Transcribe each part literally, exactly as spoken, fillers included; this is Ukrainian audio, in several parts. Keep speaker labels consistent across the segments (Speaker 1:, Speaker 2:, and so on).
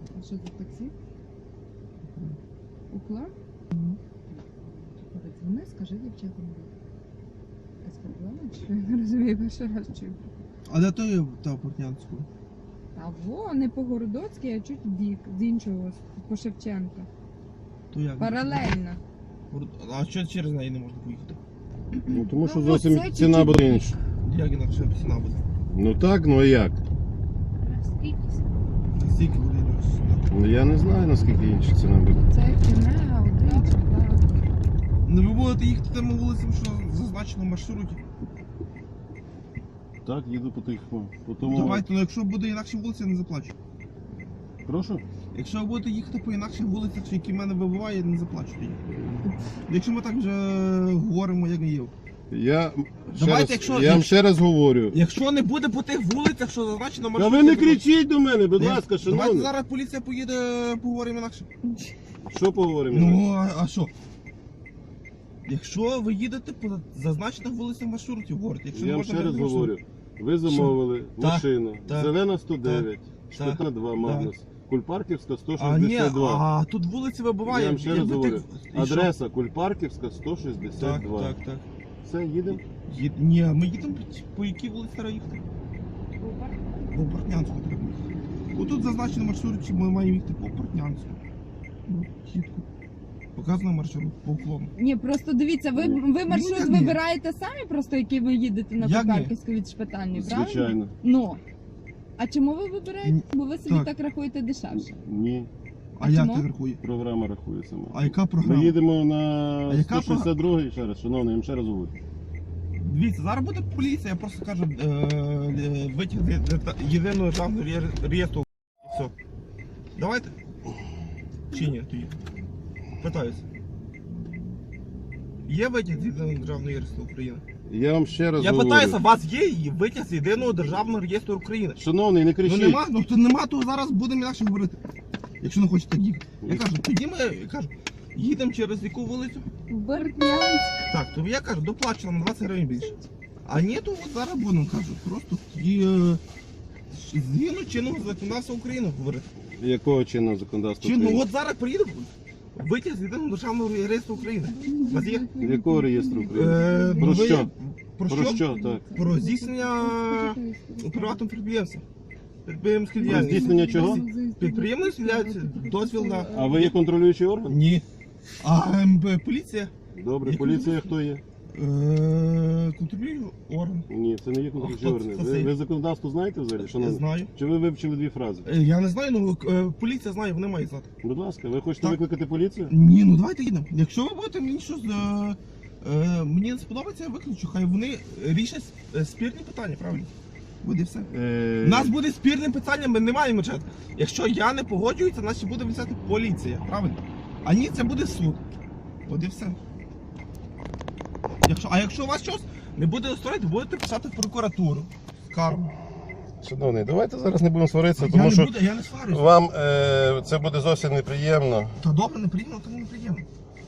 Speaker 1: А що за таксі? Уклад? Подзвони, скажи дівчатам. Якась проблема? Чи я не розумію, перший раз чую.
Speaker 2: А де той та Портнянську?
Speaker 1: А во, не по Городоцькій, а чуть в бік, з іншого, по Шевченка.
Speaker 2: То як?
Speaker 1: Паралельно.
Speaker 2: А що через неї не можна поїхати?
Speaker 3: Ну тому що
Speaker 1: Ну,
Speaker 3: зовсім
Speaker 1: це
Speaker 3: ціна
Speaker 1: чуть-чуть
Speaker 3: буде інша.
Speaker 2: Як інакше ціна буде?
Speaker 3: Ну так, ну а як?
Speaker 2: Скільки буде інакше?
Speaker 3: Ну я не знаю наскільки інша ціна буде.
Speaker 1: Це кінега, один, так.
Speaker 2: Не ви будете їхати тими вулицями, що зазначено в маршруті?
Speaker 3: Так, їду по тих, по, по тому.
Speaker 2: Давайте, ну якщо буде інакше вулиця, я не заплачу.
Speaker 3: Прошу?
Speaker 2: Якщо ви будете їхати по інакших вулицях, які в мене вибиває, я не заплачу тоді. Якщо ми так вже говоримо, як є.
Speaker 3: Я ще
Speaker 2: Давайте,
Speaker 3: раз,
Speaker 2: якщо-
Speaker 3: я вам
Speaker 2: якщо-
Speaker 3: ще раз говорю.
Speaker 2: Якщо не буде по тих вулицях, що зазначено в
Speaker 3: Та
Speaker 2: маршруті...
Speaker 3: ви не
Speaker 2: я заплачу.
Speaker 3: кричіть до мене, будь
Speaker 2: Ні,
Speaker 3: ласка,
Speaker 2: Давайте
Speaker 3: шановні.
Speaker 2: зараз поліція поїде, поговоримо інакше.
Speaker 3: Що поговоримо?
Speaker 2: Ну, а, а що? Якщо ви їдете по зазначених вулицях маршрутів, говорите, якщо
Speaker 3: Я
Speaker 2: не
Speaker 3: вам
Speaker 2: можна
Speaker 3: ще раз
Speaker 2: без маршруту.
Speaker 3: говорю. Ви замовили
Speaker 2: Так,
Speaker 3: машину.
Speaker 2: так,
Speaker 3: Зелена сто дев'ять,
Speaker 2: так,
Speaker 3: Шпитна два Магнус, Кульпарківська сто
Speaker 2: А, ні,
Speaker 3: шістдесят два.
Speaker 2: а тут вулиці вибиває.
Speaker 3: Я вам ще раз
Speaker 2: якби
Speaker 3: говорю.
Speaker 2: ти- і що?
Speaker 3: Адреса Кульпарківська сто шістдесят
Speaker 2: Так,
Speaker 3: два.
Speaker 2: так, так.
Speaker 3: Все, їдемо.
Speaker 2: Є... Ні, ми їдемо по- по якій вулиці треба їхати? По Портнянську треба їхати. Отут зазначено маршрут, що ми маємо їхати по Портнянську. Ну, чітко. Показано маршрут по уклону.
Speaker 1: Ні, просто дивіться, ви, ви маршрут
Speaker 2: як ні?
Speaker 1: вибираєте самі, просто який ви їдете на
Speaker 2: Як ні?
Speaker 1: Покарківську від Шпитальної, правильно?
Speaker 3: Звичайно.
Speaker 1: Ну. А чому ви вибираєте?
Speaker 2: Ні,
Speaker 1: Бо ви собі
Speaker 2: так.
Speaker 1: так рахуєте дешевше.
Speaker 3: Ні,
Speaker 2: А,
Speaker 1: А
Speaker 2: як
Speaker 1: чому?
Speaker 2: так рахує?
Speaker 3: програма рахує сама.
Speaker 2: А яка
Speaker 3: Ми
Speaker 2: програма?
Speaker 3: їдемо на
Speaker 2: А яка
Speaker 3: сто шістдесят другий, ще раз, шановний, я вам ще раз говорю.
Speaker 2: Дивіться, зараз буде поліція, я просто кажу, е, е, витяг з є- єдиного державного реєс- реєстру. І все. Давайте? Чи ні? Тоді? Питаюся. Є витяг з єдиного державного реєстру України?
Speaker 3: Я вам ще раз
Speaker 2: Я
Speaker 3: говорю.
Speaker 2: питаюся, у вас є її витяг з єдиного державного реєстру України?
Speaker 3: Шановний, не
Speaker 2: Ну
Speaker 3: кричіть.
Speaker 2: нема, ну то нема, то зараз будемо інакше говорити. Якщо не хочете так їхати. Я кажу, тоді ми я кажу, їдемо через яку вулицю?
Speaker 1: Бортнянськ.
Speaker 2: Так, то я кажу, доплачено на двадцять гривень більше. А ні, то от зараз будемо, кажу, просто тоді е, згідно чинного законодавства України говорити.
Speaker 3: Якого чинного законодавства?
Speaker 2: Чинно,
Speaker 3: України?
Speaker 2: от зараз приїду, витяг з єдиного державного реєстру України. У вас є?
Speaker 3: Якого реєстру України?
Speaker 2: Е,
Speaker 3: Про
Speaker 2: ну, ви-
Speaker 3: що?
Speaker 2: Про
Speaker 3: Про
Speaker 2: що?
Speaker 3: що, так?
Speaker 2: Про здійснення приватного підприємства. Підприємської
Speaker 3: Про
Speaker 2: діяльності.
Speaker 3: здійснення чого?
Speaker 2: Підприємець являється дозвіл на...
Speaker 3: А ви є контролюючий орган?
Speaker 2: Ні. А ем, б, поліція?
Speaker 3: Добре,
Speaker 2: Є
Speaker 3: поліція хто є?
Speaker 2: Е, контролює орган.
Speaker 3: Ні, це не є контролюючий
Speaker 2: А хто
Speaker 3: орган.
Speaker 2: це?
Speaker 3: Ви, ви законодавство знаєте взагалі,
Speaker 2: Я
Speaker 3: шановний?
Speaker 2: знаю.
Speaker 3: Чи ви вивчили дві фрази?
Speaker 2: Е, Я не знаю, ну е, поліція знає, вони мають знати.
Speaker 3: Будь ласка, ви хочете
Speaker 2: Так.
Speaker 3: викликати поліцію?
Speaker 2: Ні, ну давайте їдемо. Якщо ви будете мені щось е, е, мені не сподобається, я виключу. Хай вони рішать е, спірні питання, правильно? Буде все.
Speaker 3: Е...
Speaker 2: У нас буде спірне питання, ми не маємо чат. Якщо я не погоджуюся, значить буде взяти поліція, правильно? А ні, це буде суд. От і все. Якщо, а якщо у вас щось не буде устроїти, будете писати в прокуратуру. Скаргу.
Speaker 3: Шановний, давайте зараз не будемо сваритися,
Speaker 2: Я
Speaker 3: тому
Speaker 2: не
Speaker 3: що
Speaker 2: буду, я не сварюся.
Speaker 3: вам е, це буде зовсім неприємно.
Speaker 2: Та добре, неприємно, то неприємно.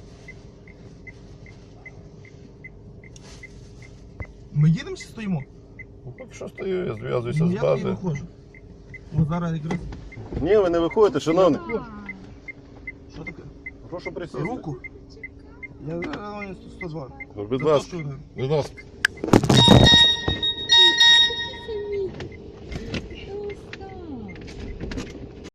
Speaker 2: Ми їдемо чи стоїмо?
Speaker 3: Ну, поки що стою, я зв'язуюся
Speaker 2: Ну,
Speaker 3: з
Speaker 2: я тоді
Speaker 3: бази.
Speaker 2: виходжу. От зараз якраз.
Speaker 3: Ні, ви не виходите, шановний.
Speaker 2: Що таке?
Speaker 3: Прошу присісти.
Speaker 2: Руку? Я зараз сто два.
Speaker 3: Будь ласка, будь ласка.